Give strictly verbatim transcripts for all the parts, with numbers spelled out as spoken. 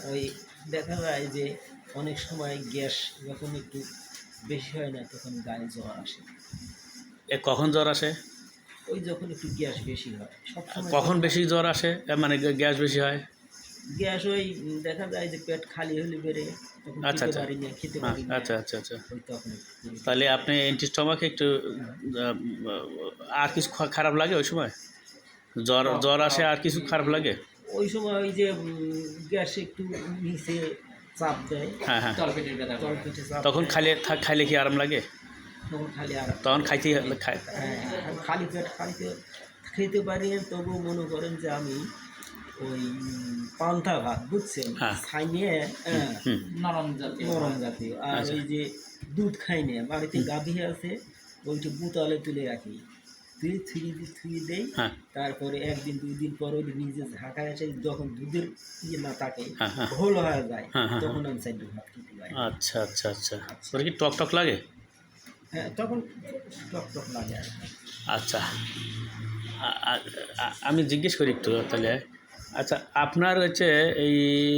ওই দেখা যায় যে অনেক সময় গ্যাস যখন একটু বেশি হয় না তখন গায়ে জ্বর আসে। এ কখন জ্বর আসে? ওই যখন একটু গ্যাস বেশি হয় সবসময়। কখন বেশি জ্বর আসে, এ মানে গ্যাস বেশি হয়? গ্যাস ওই দেখা যায় যে পেট খালি হলে বেড়ে তখন আচ্ছা খেতে আচ্ছা। পারি না খেতে হ্যাঁ, পারি না আচ্ছা আচ্ছা আচ্ছা। ওই তখন একটু। তাহলে আপনি অ্যান্টিস্টমাকে একটু আহ, আর কিছু খা- খারাপ লাগে ওই সময়? জ্বর জ্বর আসে আর কিছু খারাপ লাগে? ওই সময় ওই যে গ্যাস একটু নিচে চাপ দেয়, হ্যাঁ হ্যাঁ। তলপেটের ব্যথা তলপেটে চাপ তখন দেয়, খাইলে থা- খাইলে কি আরাম লাগে? তখন খালি আর তখন খাইতে খাই। হ্যাঁ আর খালি পেট খাইতে খেতে পারি না। তবুও মনে করেন যে আমি ওই পান্তা ভাত বুঝছেন হ্যাঁ। খাইয়ে হ্যাঁ হুম। নরম জাতীয় নরম জাতীয় আর আচ্ছা। ওই যে দুধ খাই না বাড়িতে গাভী আছে ওইটা বুতালে তুলে রাখি তুই থুই থুই দেই। হ্যাঁ তারপরে একদিন দুই দিন পর ওই নিজে ঝাঁকায় এসে যখন দুধের ইয়ে না থাকে হ্যাঁ হ্যাঁ ঘোল হয়ে যায় হ্যাঁ হ্যাঁ। তখন আমি চাইলে ভাত খেতে পারি। আচ্ছা আচ্ছা আচ্ছা। ওটা কি টক টক লাগে? হ্যাঁ তখন টক টক লাগে আর কি। আচ্ছা, আ- আ- আ- আমি জিজ্ঞেস করি একটু তাহলে। আচ্ছা, আপনার হচ্ছে এই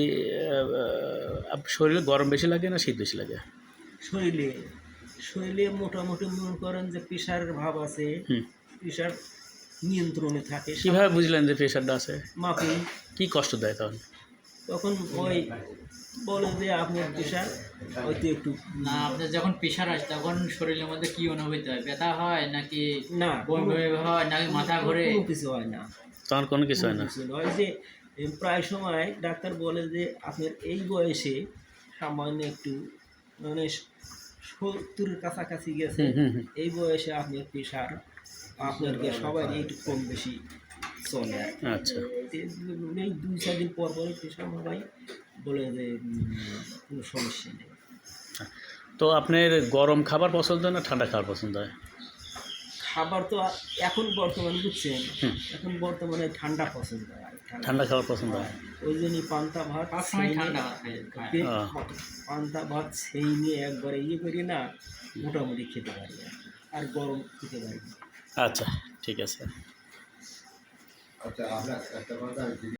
আহ, আপ- শরীরে গরম বেশি লাগে না শীত বেশি লাগে? শরীরে শরীরে মোটামুটি মনে করেন যে প্রেশারের ভাব আছে, হুম। প্রেশার নিয়ন্ত্রণে থাকে কীভাবে বুঝলেন যে প্রেশারটা আছে? মাপি কি কষ্ট দেয় তখন? তখন ওই বলে যে আপনার প্রেশার হয়তো একটু না, আপনার যখন প্রেশার আসে তখন শরীরের মধ্যে কি অনুভূতি হয়? ব্যথা হয় নাকি না বমি কোনো- বমি হয় নাকি মাথা ঘোরে? কোনো কিছু হয় না, তখন কোনো কিছু হয় কোনো না? কিছু নয় যে এ, প্রায় সময় ডাক্তার বলে যে আপনার এই বয়সে সামান্য একটু মানে সত্তরের কাছাকাছি গেছে, হুম হুম হুম। এই বয়সে আপনার প্রেশার আপনার সবাই একটু কম বেশি চলে আর কি। আচ্ছা এই দুই চার দিন পর পরে প্রেশার সবাই বলে যে উম, কোনো সমস্যা নেই। তো আপনার গরম খাবার পছন্দ না ঠান্ডা খাবার পছন্দ হয়? খাবার তো আ- এখন বর্তমানে বুঝছেন হুম। এখন বর্তমানে ঠান্ডা পছন্দ হয় ঠান্ডা। ঠান্ডা খাবার পছন্দ হয়। ওই জন্যই পান্তা ভাত সবসময় সেই ঠান্ডা নিয়ে- ভাত খায়। পে- আহ। পান্তা ভাত সেই নিয়ে একবারে ইয়ে করি না মোটামুটি খেতে পারি আর কি। আর গরম খেতে পারি না। আচ্ছা, ঠিক আছে। আচ্ছা, আমরা একটা কথা